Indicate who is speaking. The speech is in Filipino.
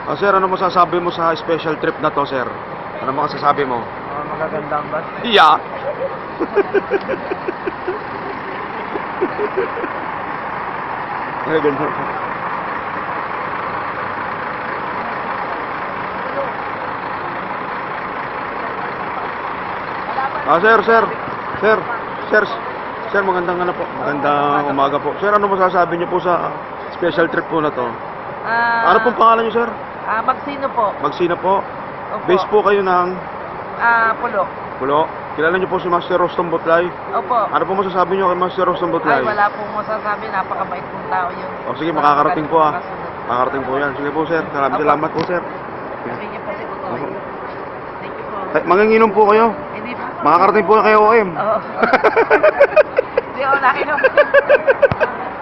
Speaker 1: Sir, ano masasabi mo sa special trip na to, sir? Ano masasabi mo?
Speaker 2: Magagandang ba?
Speaker 1: Yeah. Ay, ganda. Sir, magandang ano po. Magandang umaga po. Sir, ano masasabi niyo po sa special trip po na to? Ano pong pangalan niyo, sir?
Speaker 2: Magsino po.
Speaker 1: Magsina po.
Speaker 2: Opo.
Speaker 1: Base po kayo ng
Speaker 2: Pulo.
Speaker 1: Pulo. Kilala niyo po si Master Rostom Butlay?
Speaker 2: Opo.
Speaker 1: Ano po masasabi niyo kay Master Rostom Butlay?
Speaker 2: Ay, wala pong masasabi. Napakabait pong tao yun.
Speaker 1: O sige, makakarating po ah. Makakarating po yan. Sige po, sir.
Speaker 2: Opo.
Speaker 1: Salamat po, sir.
Speaker 2: Thank you po si Butoy. Thank you po.
Speaker 1: Ay, manginginom po kayo.
Speaker 2: Hindi po.
Speaker 1: Makakarating po kayo OM.
Speaker 2: Oo. Hindi ako nakinom.